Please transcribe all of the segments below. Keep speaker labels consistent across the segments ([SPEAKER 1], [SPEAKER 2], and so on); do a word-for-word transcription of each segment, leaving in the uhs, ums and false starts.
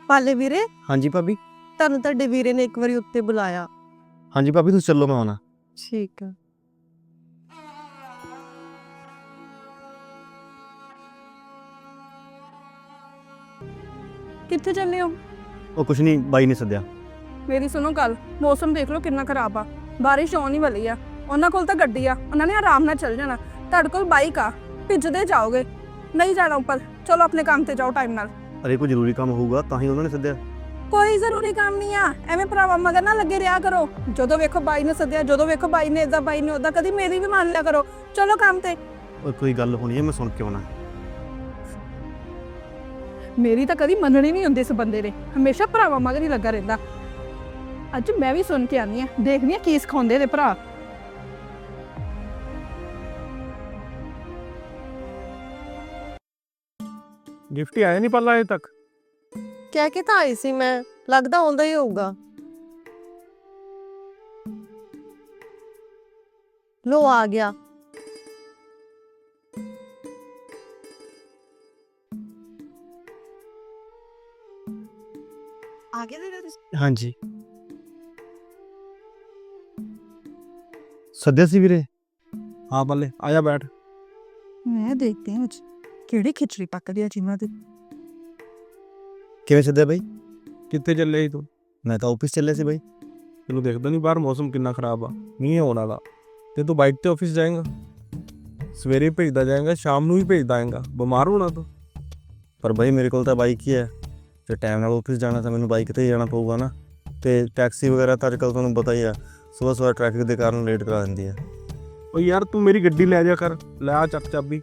[SPEAKER 1] ਪਾਲੇ ਵੀਰੇ,
[SPEAKER 2] ਹਾਂਜੀ ਭਾਬੀ।
[SPEAKER 1] ਤੁਹਾਨੂੰ ਤੁਹਾਡੇ ਵੀਰੇ ਨੇ ਇੱਕ ਵਾਰੀ ਉੱਤੇ ਬੁਲਾਇਆ।
[SPEAKER 2] ਹਾਂਜੀ ਭਾਬੀ ਤੁਸੀਂ ਚੱਲੋ, ਮੈਂ ਆਉਣਾ।
[SPEAKER 1] ਠੀਕ ਆ।
[SPEAKER 3] ਕਿੱਥੇ ਚੱਲੇ ਹੋ?
[SPEAKER 2] ਉਹ ਕੁਛ ਨਹੀਂ, ਬਾਈ ਨੇ ਸੱਦਿਆ।
[SPEAKER 3] ਮੇਰੀ ਸੁਣੋ ਗੱਲ, ਮੌਸਮ ਦੇਖ ਲਓ ਕਿੰਨਾ ਖਰਾਬ ਆ, ਬਾਰਿਸ਼ ਆਉਣ ਹੀ ਵਾਲੀ ਆ। ਉਹਨਾਂ ਕੋਲ ਤਾਂ ਗੱਡੀ ਆ, ਉਹਨਾਂ ਨੇ ਆਰਾਮ ਨਾਲ ਚੱਲ ਜਾਣਾ। ਤੁਹਾਡੇ ਕੋਲ ਬਾਈਕ ਆ, ਭਿੱਜਦੇ ਜਾਓਗੇ। ਨਹੀਂ ਜਾਣਾ ਉੱਪਰ, ਚਲੋ ਆਪਣੇ ਕੰਮ ਤੇ ਜਾਓ ਟਾਈਮ ਨਾਲ।
[SPEAKER 2] ਅਰੇ ਕੋਈ ਜ਼ਰੂਰੀ ਕੰਮ ਹੋਊਗਾ ਤਾਂ ਹੀ ਉਹਨਾਂ ਨੇ ਸੱਦਿਆ।
[SPEAKER 3] ਕੋਈ ਜ਼ਰੂਰੀ ਕੰਮ ਨਹੀਂ ਆ, ਐਵੇਂ ਭਰਾਵਾ ਮਗਰ ਨਾ ਲੱਗੇ ਰਿਹਾ ਕਰੋ। ਜਦੋਂ ਵੇਖੋ ਬਾਈ ਨੇ ਸੱਦਿਆ, ਜਦੋਂ ਵੇਖੋ ਬਾਈ ਨੇ ਇਦਾਂ, ਬਾਈ ਨੇ ਉਦਾਂ, ਕਦੀ ਮੇਰੀ ਵੀ ਮੰਨ ਲਿਆ ਕਰੋ। ਚਲੋ ਕੰਮ ਤੇ।
[SPEAKER 2] ਉਹ ਕੋਈ ਗੱਲ ਹੋਣੀ ਹੈ, ਮੈਂ ਸੁਣ ਕੇ ਆਉਣਾ।
[SPEAKER 3] ਮੇਰੀ ਤਾਂ ਕਦੀ ਮੰਨਣੀ ਨਹੀਂ ਹੁੰਦੀ ਇਸ ਬੰਦੇ ਨੇ, ਹਮੇਸ਼ਾ ਭਰਾਵਾ ਮਗਰ ਹੀ ਲੱਗਾ ਰਹਿੰਦਾ। ਅੱਜ ਮੈਂ ਵੀ ਸੁਣ ਕੇ ਆਨੀ ਆ, ਦੇਖਦੀ ਆ ਕੀ ਸਿਖਾਉਂਦੇ ਨੇ ਭਰਾ।
[SPEAKER 4] ਗਿਫਟ ਹੀ ਆਇਆ ਨਹੀਂ ਪੱਲਾ ਅਜੇ ਤੱਕ।
[SPEAKER 1] ਕਹਿ ਕੇ ਤਾਂ ਆਈ ਸੀ ਮੈਂ, ਲੱਗਦਾ ਆਉਂਦਾ ਹੀ ਹੋਊਗਾ। ਲੋ ਆ ਗਿਆ। ਆ ਗਿਆ ਵੀਰੇ ਤੁਸੀਂ?
[SPEAKER 2] ਹਾਂਜੀ ਸੱਦਿਆ ਸੀ ਵੀਰੇ।
[SPEAKER 4] ਹਾਂ ਬੱਲੇ, ਆ ਜਾ ਬੈਠ।
[SPEAKER 3] ਮੈਂ ਦੇਖਦੇ ਹਾਂ ਅੱਜ ਕਿਹੜੀ ਖਿਚੜੀ ਪੱਕਦੀ ਆ ਜਿਨ੍ਹਾਂ ਦੀ।
[SPEAKER 2] ਕਿਵੇਂ ਸੱਦਿਆ ਬਾਈ?
[SPEAKER 4] ਕਿੱਥੇ ਚੱਲੇ ਸੀ ਤੂੰ?
[SPEAKER 2] ਮੈਂ ਤਾਂ ਆਫਿਸ ਚੱਲਿਆ ਸੀ ਬਾਈ।
[SPEAKER 4] ਤੈਨੂੰ ਦੇਖਦਾ ਨਹੀਂ ਬਾਹਰ ਮੌਸਮ ਕਿੰਨਾ ਖਰਾਬ ਆ, ਮੀਂਹ ਆਉਣ ਵਾਲਾ। ਤੇ ਤੂੰ ਬਾਈਕ ਤੇ ਆਫਿਸ ਜਾਏਂਗਾ? ਸਵੇਰੇ ਭੇਜਦਾ ਜਾਏਂਗਾ, ਸ਼ਾਮ ਨੂੰ ਵੀ ਭੇਜਦਾ ਆਏਂਗਾ, ਬਿਮਾਰ ਹੋਣਾ ਤੂੰ।
[SPEAKER 2] ਪਰ ਬਾਈ ਮੇਰੇ ਕੋਲ ਤਾਂ ਬਾਈਕ ਹੀ ਹੈ, ਜੇ ਟਾਈਮ ਨਾਲ ਆਫਿਸ ਜਾਣਾ ਤਾਂ ਮੈਨੂੰ ਬਾਈਕ ਤੇ ਹੀ ਜਾਣਾ ਪਊਗਾ ਨਾ। ਤੇ ਟੈਕਸੀ ਵਗੈਰਾ ਤਾਂ ਅੱਜ ਕੱਲ੍ਹ ਤੁਹਾਨੂੰ ਪਤਾ ਹੀ ਆ, ਸੁਬਾਹ ਸੁਬਾਹ ਟ੍ਰੈਫਿਕ ਦੇ ਕਾਰਨ ਲੇਟ ਕਰਾ ਦਿੰਦੀ ਹੈ।
[SPEAKER 4] ਉਹ ਯਾਰ ਤੂੰ ਮੇਰੀ ਗੱਡੀ ਲੈ ਜਾ ਕਰ, ਲੈ ਆ ਚੱਕ ਚਾਬੀ।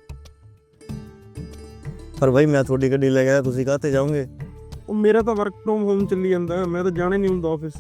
[SPEAKER 2] ਪਰ ਬਾਈ ਮੈਂ ਤੁਹਾਡੀ ਗੱਡੀ ਲੈ ਗਿਆ, ਤੁਸੀਂ ਕਾਹਤੇ ਜਾਓਗੇ?
[SPEAKER 4] ਉਹ ਮੇਰਾ ਤਾਂ ਵਰਕ ਫਰੋਮ ਹੋਮ ਚੱਲੀ ਜਾਂਦਾ, ਮੈਂ ਤਾਂ ਜਾਣਾ ਨਹੀਂ ਹੁੰਦਾ ਆਫਿਸ।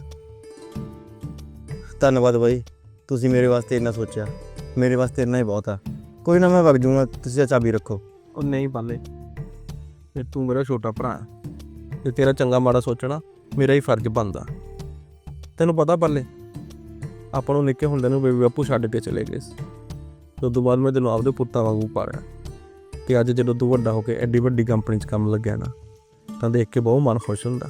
[SPEAKER 2] ਧੰਨਵਾਦ ਬਾਈ, ਤੁਸੀਂ ਮੇਰੇ ਵਾਸਤੇ ਇੰਨਾ ਸੋਚਿਆ। ਮੇਰੇ ਵਾਸਤੇ ਇੰਨਾ ਹੀ ਬਹੁਤ ਆ। ਕੋਈ ਨਾ, ਮੈਂ ਵਗ ਜੂੰਗਾ, ਤੁਸੀਂ ਚਾਬੀ ਰੱਖੋ।
[SPEAKER 4] ਉਹ ਨਹੀਂ ਪਾਲੇ, ਤੇ ਤੂੰ ਮੇਰਾ ਛੋਟਾ ਭਰਾ ਹੈ, ਤੇ ਤੇਰਾ ਚੰਗਾ ਮਾੜਾ ਸੋਚਣਾ ਮੇਰਾ ਹੀ ਫਰਜ਼ ਬਣਦਾ। ਤੈਨੂੰ ਪਤਾ ਪਾਲੇ, ਆਪਾਂ ਨੂੰ ਨਿੱਕੇ ਹੁੰਦੇ ਨੂੰ ਬੇਬੀ ਬਾਪੂ ਛੱਡ ਕੇ ਚਲੇ ਗਏ ਸੀ। ਉਸ ਤੋਂ ਬਾਅਦ ਮੈਂ ਤੈਨੂੰ ਆਪਦੇ ਪੁੱਤਾਂ ਵਾਂਗੂ ਪਾਲਿਆ, ਤੇ ਅੱਜ ਜਦੋਂ ਤੂੰ ਵੱਡਾ ਹੋ ਕੇ ਐਡੀ ਵੱਡੀ ਕੰਪਨੀ 'ਚ ਕੰਮ ਲੱਗਿਆ ਨਾ, ਤਾਂ ਦੇਖ ਕੇ ਬਹੁਤ ਮਨ ਖੁਸ਼ ਹੁੰਦਾ।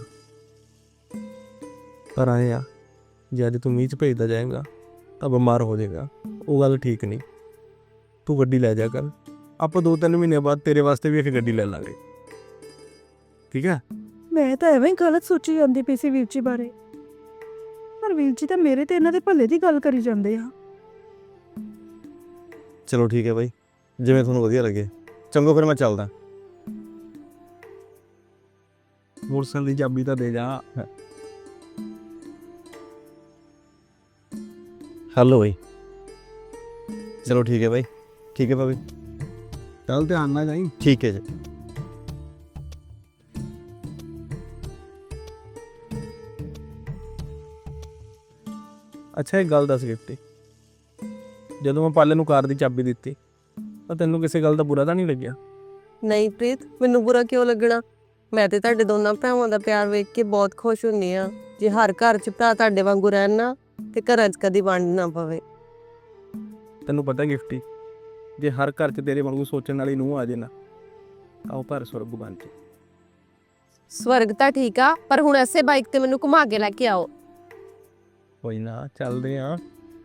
[SPEAKER 4] ਪਰ ਆਏ ਆ, ਜੇ ਅੱਜ ਤੂੰ ਮੀਂਹ 'ਚ ਭੇਜਦਾ ਜਾਏਗਾ ਤਾਂ ਬਿਮਾਰ ਹੋ ਜਾਏਗਾ, ਉਹ ਗੱਲ ਠੀਕ ਨਹੀਂ। ਤੂੰ ਗੱਡੀ ਲੈ ਜਾ ਕਰ, ਆਪਾਂ ਦੋ ਤਿੰਨ ਮਹੀਨੇ ਬਾਅਦ ਤੇਰੇ ਵਾਸਤੇ ਵੀ ਇੱਕ ਗੱਡੀ ਲੈ ਲਾਂਗੇ, ਠੀਕ ਹੈ?
[SPEAKER 3] ਮੈਂ ਤਾਂ ਐਵੇਂ ਗਲਤ ਸੋਚੀ ਜਾਂਦੀ ਪਈ ਸੀ ਵੀਰ ਜੀ ਬਾਰੇ, ਪਰ ਵੀਰ ਜੀ ਤਾਂ ਮੇਰੇ ਤੇ ਇਹਨਾਂ ਦੇ ਭਲੇ ਦੀ ਗੱਲ ਕਰੀ ਜਾਂਦੇ ਆ।
[SPEAKER 2] ਚਲੋ ਠੀਕ ਹੈ ਬਾਈ, ਜਿਵੇਂ ਤੁਹਾਨੂੰ ਵਧੀਆ ਲੱਗੇ। ਚੰਗੋ ਫਿਰ ਮੈਂ ਚੱਲਦਾ।
[SPEAKER 4] ਮੋਟਰਸਾਈਕਲ ਦੀ ਚਾਬੀ ਤਾਂ ਦੇ ਜਾ।
[SPEAKER 2] ਹੈਲੋ ਬਾਈ। ਚਲੋ ਠੀਕ ਹੈ ਬਾਈ। ਠੀਕ ਹੈ ਭਾਬੀ।
[SPEAKER 4] ਚੱਲ ਧਿਆਨ ਨਾਲ ਜਾਈਂ।
[SPEAKER 2] ਠੀਕ ਹੈ ਜੀ।
[SPEAKER 4] ਅੱਛਾ ਇੱਕ ਗੱਲ ਦੱਸ ਗਿਫਟੀ, ਜਦੋਂ ਮੈਂ ਪਾਲੇ ਨੂੰ ਕਾਰ ਦੀ ਚਾਬੀ ਦਿੱਤੀ ਤਾਂ ਤੈਨੂੰ ਕਿਸੇ ਗੱਲ ਦਾ ਬੁਰਾ ਤਾਂ ਨਹੀਂ ਲੱਗਿਆ?
[SPEAKER 1] ਨਹੀਂ ਪ੍ਰੀਤ, ਮੈਨੂੰ ਬੁਰਾ ਕਿਉਂ ਲੱਗਣਾ? ਮੈਂ ਤੇ ਤੁਹਾਡੇ ਦੋਨਾਂ ਭਰਾਵਾਂ ਦਾ ਪਿਆਰ ਵੇਖ ਕੇ ਬਹੁਤ ਖੁਸ਼ ਹੁੰਨੀ ਆ। ਜੇ ਹਰ ਘਰ 'ਚ ਭਰਾ ਤੁਹਾਡੇ ਵਾਂਗੂ ਰਹਿਣ ਨਾ, ਤੇ ਘਰਾਂ 'ਚ ਕਦੀ ਵੰਡ ਨਾ ਪਵੇ।
[SPEAKER 4] ਤੈਨੂੰ ਪਤਾ ਗਿਫਟੀ, ਜੇ ਹਰ ਘਰ 'ਚ ਤੇਰੇ ਵਾਂਗੂ ਸੋਚਣ ਵਾਲੀ ਨੂੰਹ ਆ ਜੇ ਨਾ, ਤਾਂ ਉਹ ਭਰ ਸਵਰਗ ਬਣ ਜੇ।
[SPEAKER 1] ਸਵਰਗ ਤਾਂ ਠੀਕ ਆ, ਪਰ ਹੁਣ ਐਸੇ ਬਾਈਕ ਤੇ ਮੈਨੂੰ ਘੁਮਾ ਕੇ ਲੈ ਕੇ ਆਓ।
[SPEAKER 4] ਕੋਈ ਨਾ, ਚੱਲਦੇ ਆ।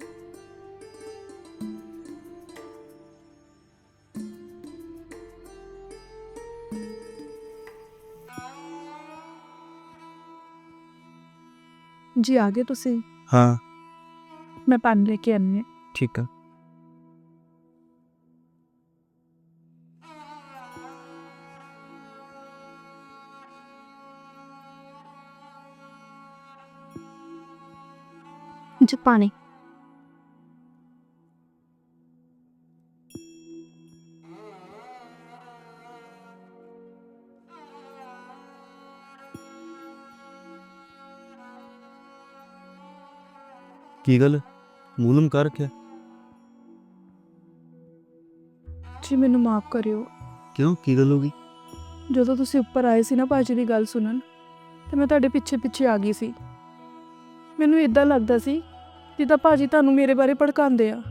[SPEAKER 3] ਜੀ ਆ ਗਏ ਤੁਸੀਂ?
[SPEAKER 2] ਹਾਂ
[SPEAKER 3] ਮੈਂ ਪਾਣੀ ਲੈ ਕੇ ਆਨੀ ਹਾਂ।
[SPEAKER 2] ਠੀਕ ਆ।
[SPEAKER 3] ਜੀ ਪਾਣੀ।
[SPEAKER 2] ਕੀ ਗੱਲ, ਮੂੰਹ ਲਮ ਕਰ ਰੱਖਿਆ?
[SPEAKER 3] ਜੀ ਮੈਨੂੰ ਮਾਫ ਕਰਿਓ।
[SPEAKER 2] ਕਿਉਂ, ਕੀ ਗੱਲ ਹੋ ਗਈ?
[SPEAKER 3] ਜਦੋਂ ਤੁਸੀਂ ਉੱਪਰ ਆਏ ਸੀ ਨਾ ਭਾਜੀ ਦੀ ਗੱਲ ਸੁਣਨ, ਤੇ ਮੈਂ ਤੁਹਾਡੇ ਪਿੱਛੇ ਪਿੱਛੇ ਆ ਗਈ ਸੀ। ਮੈਨੂੰ ਇਦਾਂ ਲੱਗਦਾ ਸੀ ਜਿੱਦਾਂ ਭਾਜੀ ਤੁਹਾਨੂੰ ਮੇਰੇ ਬਾਰੇ ਭੜਕਾਉਂਦੇ ਆ।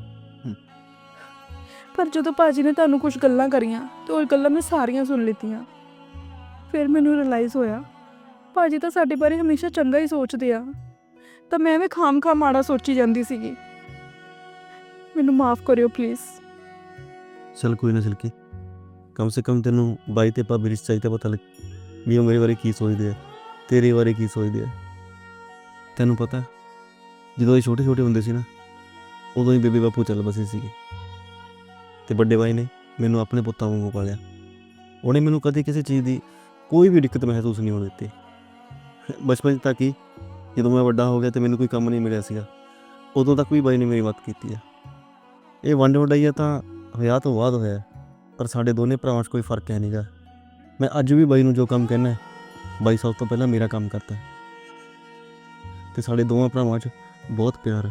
[SPEAKER 3] ਪਰ ਜਦੋਂ ਭਾਜੀ ਨੇ ਤੁਹਾਨੂੰ ਕੁਝ ਗੱਲਾਂ ਕਰੀਆਂ ਤੇ ਉਹ ਗੱਲਾਂ ਮੈਂ ਸਾਰੀਆਂ ਸੁਣ ਲਿੱਤੀਆਂ। ਫਿਰ ਮੈਨੂੰ ਰਿਅਲਾਈਜ਼ ਹੋਇਆ ਭਾਜੀ ਤਾਂ ਸਾਡੇ ਬਾਰੇ ਹਮੇਸ਼ਾ ਚੰਗਾ ਹੀ ਸੋਚਦੇ ਆ, ਤਾਂ ਮੈਂ ਵੀ ਖਾਮ ਖਾ ਮਾੜਾ ਸੋਚੀ ਜਾਂਦੀ ਸੀਗੀ। ਮੈਨੂੰ ਮਾਫ ਕਰਿਓ ਪਲੀਜ਼।
[SPEAKER 2] ਚਲ ਕੋਈ ਨਾ ਸਿਲਕੀ, ਕਮ ਸੇ ਕਮ ਤੈਨੂੰ ਬਾਈ ਤੇ ਭਾਬੀ ਰਿਸ਼ਤੇ ਚਾਹੀਦਾ ਪਤਾ ਲੱਗ ਵੀ ਉਹ ਮੇਰੇ ਬਾਰੇ ਕੀ ਸੋਚਦੇ ਆ, ਤੇਰੇ ਬਾਰੇ ਕੀ ਸੋਚਦੇ ਆ। ਤੈਨੂੰ ਪਤਾ ਜਦੋਂ ਇਹ ਛੋਟੇ ਛੋਟੇ ਹੁੰਦੇ ਸੀ ਨਾ, ਉਦੋਂ ਹੀ ਬੇਬੇ ਬਾਪੂ ਚੱਲ ਬਸੇ ਸੀਗੇ ਤੇ ਵੱਡੇ ਬਾਈ ਨੇ ਮੈਨੂੰ ਆਪਣੇ ਪੁੱਤਾਂ ਵਾਂਗੂ ਪਾਲਿਆ। ਉਹਨੇ ਮੈਨੂੰ ਕਦੇ ਕਿਸੇ ਚੀਜ਼ ਦੀ ਕੋਈ ਵੀ ਦਿੱਕਤ ਮਹਿਸੂਸ ਨਹੀਂ ਹੋਣ ਦਿੱਤੀ। ਬਚਪਨ ਤੱਕ ਹੀ, ਜਦੋਂ ਮੈਂ ਵੱਡਾ ਹੋ ਗਿਆ ਤੇ ਮੈਨੂੰ ਕੋਈ ਕੰਮ ਨਹੀਂ ਮਿਲਿਆ ਸੀਗਾ, ਉਦੋਂ ਤੱਕ ਵੀ ਬਾਈ ਨੇ ਮੇਰੀ ਮਦਦ ਕੀਤੀ ਆ। ਇਹ ਵੰਡ ਵਡਾਈਆ ਤਾਂ ਵਿਆਹ ਤੋਂ ਬਾਅਦ ਹੋਇਆ, ਪਰ ਸਾਡੇ ਦੋਨੇ ਭਰਾਵਾਂ 'ਚ ਕੋਈ ਫਰਕ ਹੈ ਨਹੀਂਗਾ। ਮੈਂ ਅੱਜ ਵੀ ਬਾਈ ਨੂੰ ਜੋ ਕੰਮ ਕਹਿਣਾ, ਬਾਈ ਸਭ ਤੋਂ ਪਹਿਲਾਂ ਮੇਰਾ ਕੰਮ ਕਰਦਾ ਤੇ ਸਾਡੇ ਦੋਵਾਂ ਭਰਾਵਾਂ 'ਚ ਬਹੁਤ ਪਿਆਰ ਹੈ।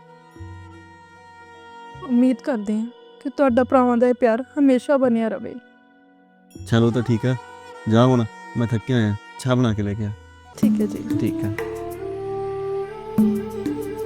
[SPEAKER 3] ਉਮੀਦ ਕਰਦੇ ਹਾਂ ਕਿ ਤੁਹਾਡਾ ਭਰਾਵਾਂ ਦਾ ਇਹ ਪਿਆਰ ਹਮੇਸ਼ਾ ਬਣਿਆ ਰਵੇ।
[SPEAKER 2] ਚਲੋ ਤਾਂ ਠੀਕ ਹੈ, ਜਾ ਹੁਣ, ਮੈਂ ਥੱਕਿਆ ਹੋਇਆ, ਚਾਹ ਬਣਾ ਕੇ ਲੈ ਕੇ ਆ।
[SPEAKER 3] ਠੀਕ ਹੈ ਜੀ।
[SPEAKER 2] ਠੀਕ ਹੈ।